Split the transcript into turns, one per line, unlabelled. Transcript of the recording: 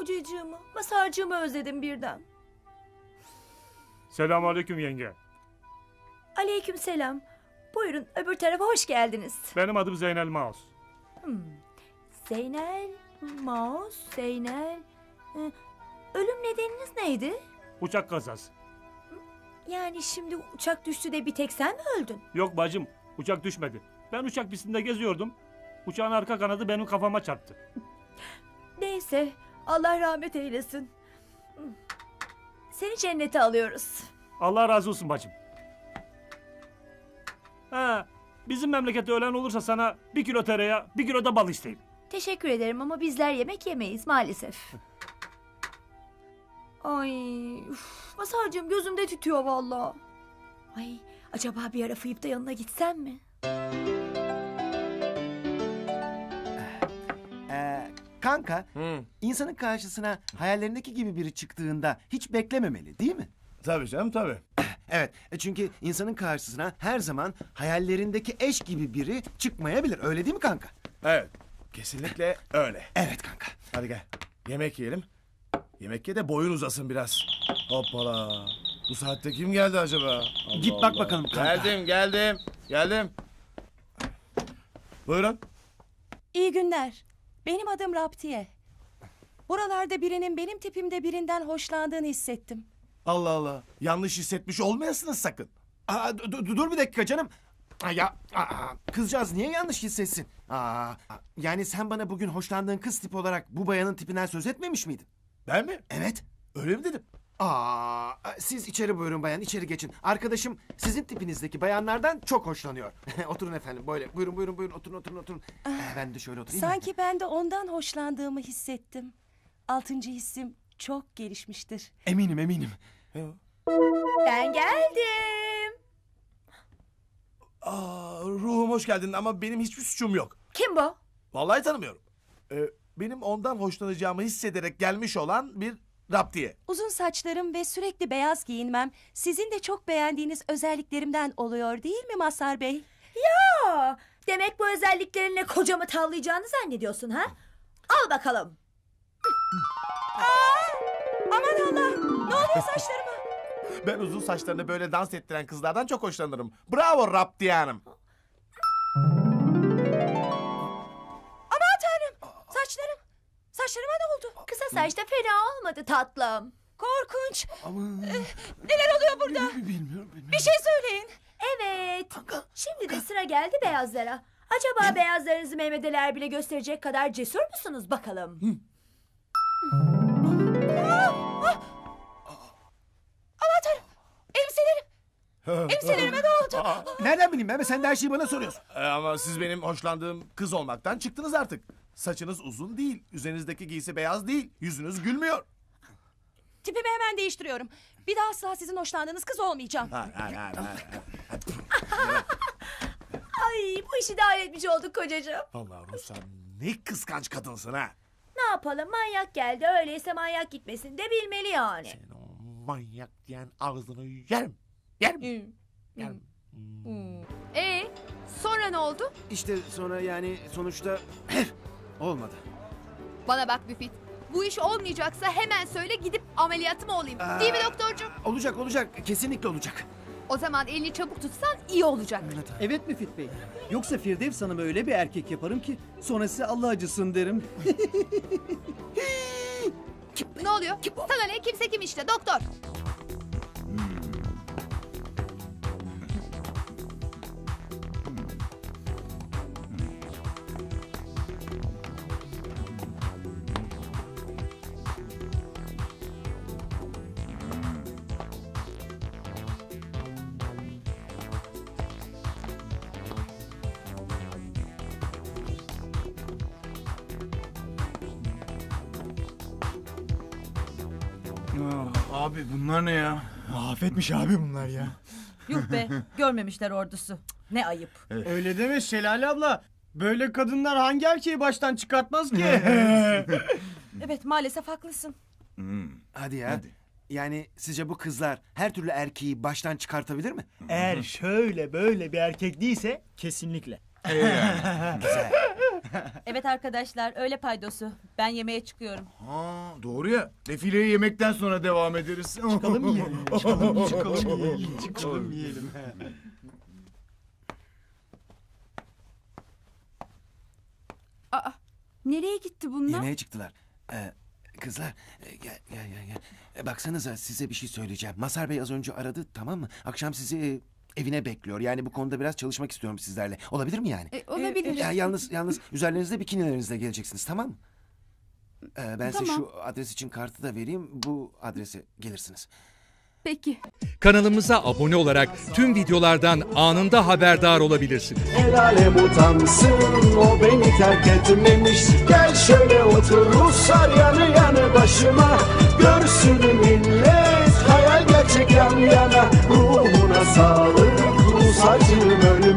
kocacığımı, masarcığımı özledim birden.
Selamünaleyküm yenge.
Aleykümselam. Buyurun öbür tarafa hoş geldiniz.
Benim adım Zeynel Maus.
Zeynel, Maus, Zeynel. Ölüm nedeniniz neydi?
Uçak kazası.
Yani şimdi uçak düştü de bir tek sen mi öldün?
Yok bacım, uçak düşmedi. Ben uçak pistinde geziyordum. Uçağın arka kanadı benim kafama çarptı.
Neyse, Allah rahmet eylesin. Seni cennete alıyoruz.
Allah razı olsun bacım. Ha, bizim memlekette ölen olursa sana 1 kilo tereyağı, 1 kilo da bal isteyeyim.
Teşekkür ederim ama bizler yemek yemeyiz maalesef. Ay, masarcığım gözümde tütüyor vallahi. Ay, acaba bir ara fıyıp da yanına gitsem mi?
Kanka, insanın karşısına hayallerindeki gibi biri çıktığında hiç beklememeli değil mi?
Tabii canım tabii.
Evet, çünkü insanın karşısına her zaman hayallerindeki eş gibi biri çıkmayabilir. Öyle değil mi kanka?
Evet. Kesinlikle öyle.
Evet kanka.
Hadi gel. Yemek yiyelim. Yemek ye de boyun uzasın biraz. Hoppala. Bu saatte kim geldi acaba? Allah
Git bak
Allah.
bakalım kanka.
Geldim. Buyurun.
İyi günler. Benim adım Raptiye. Buralarda birinin benim tipimde birinden hoşlandığını hissettim.
Allah Allah. Yanlış hissetmiş olmayasınız sakın.
Dur bir dakika canım. Kızcağız niye yanlış hissetsin? Yani sen bana bugün hoşlandığın kız tipi olarak bu bayanın tipinden söz etmemiş miydin?
Ben mi?
Evet.
Öyle mi dedim?
Siz içeri buyurun bayan, içeri geçin. Arkadaşım sizin tipinizdeki bayanlardan çok hoşlanıyor. Oturun efendim, böyle. Buyurun, oturun. Ben de şöyle oturayım.
Sanki ben de ondan hoşlandığımı hissettim. 6. hissim çok gelişmiştir.
Eminim.
Ben geldim.
Ruhum hoş geldin ama benim hiçbir suçum yok.
Kim bu?
Vallahi tanımıyorum. Benim ondan hoşlanacağımı hissederek gelmiş olan bir Raptiye.
Uzun saçlarım ve sürekli beyaz giyinmem sizin de çok beğendiğiniz özelliklerimden oluyor değil mi Mazhar Bey?
Demek bu özelliklerinle kocamı tavlayacağını zannediyorsun ha? Al bakalım.
Aman Allah! Ne oluyor saçlarıma?
Ben uzun saçlarını böyle dans ettiren kızlardan çok hoşlanırım. Bravo Raptiye Hanım.
Aman Tanrım! Saçlarıma ne oldu?
Kısa saçta fena olmadı tatlım.
Korkunç!
Aman.
Neler oluyor burada?
Bilmiyorum.
Bir şey söyleyin.
Evet. Şimdi de sıra geldi beyazlara. Acaba beyazlarınızı Mehmet Ali Erbil'e gösterecek kadar cesur musunuz bakalım?
Aman Tanrım! Elbiselerime ne oldu?
Nereden bileyim ben? Sen de her şeyi bana soruyorsun.
Ama siz benim hoşlandığım kız olmaktan çıktınız artık. Saçınız uzun değil, üzerinizdeki giysi beyaz değil, yüzünüz gülmüyor.
Tipimi hemen değiştiriyorum. Bir daha asla sizin hoşlandığınız kız olmayacağım.
Hayır.
Ay bu işi de halletmiş olduk kocacığım.
Vallahi Ruslan ne kıskanç kadınsın ha.
Ne yapalım manyak geldi öyleyse manyak gitmesin de bilmeli yani.
Senin o manyak diyen ağzını yerim.
Sonra ne oldu?
İşte sonra yani sonuçta olmadı.
Bana bak Müfit. Bu iş olmayacaksa hemen söyle gidip ameliyatı mı olayım? Değil mi doktorcuğum?
Olacak. Kesinlikle olacak.
O zaman elini çabuk tutsan iyi olacak.
Evet Müfit Bey. Yoksa Firdevs Hanım'a öyle bir erkek yaparım ki sonra size Allah acısın derim.
Ne oluyor? Sana ne? Kimse kim işte doktor.
Abi bunlar ne ya? Mahvetmiş abi bunlar ya.
Yuh be, görmemişler ordusu. Ne ayıp.
Öyle deme Şelale abla. Böyle kadınlar hangi erkeği baştan çıkartmaz ki?
Evet maalesef haklısın.
Hadi ya. Yani sizce bu kızlar her türlü erkeği baştan çıkartabilir mi?
Eğer şöyle böyle bir erkek değilse kesinlikle.
Güzel.
Evet arkadaşlar öyle paydosu. Ben yemeğe çıkıyorum.
Ha, doğru ya. Defileye yemekten sonra devam ederiz.
Çıkalım yiyelim. Çıkalım yiyelim.
Aa, nereye gitti bunlar?
Yemeğe çıktılar. Kızlar gel. Baksanıza size bir şey söyleyeceğim. Mazhar Bey az önce aradı, tamam mı? Akşam sizi evine bekliyor. Yani bu konuda biraz çalışmak istiyorum sizlerle. Olabilir mi yani?
Olabilir.
Yalnız üzerlerinizde bikinilerinizle geleceksiniz, tamam mı? Ben size şu adres için kartı da vereyim. Bu adrese gelirsiniz.
Peki.
Kanalımıza abone olarak tüm videolardan anında haberdar olabilirsiniz.
El alem utansın, o beni terk etmemiş. Gel şöyle otur Ruslar yanı yanı başıma. Görsün millet hayal gerçek yan yana. Ruhuna sağlık Rus acım ölüm.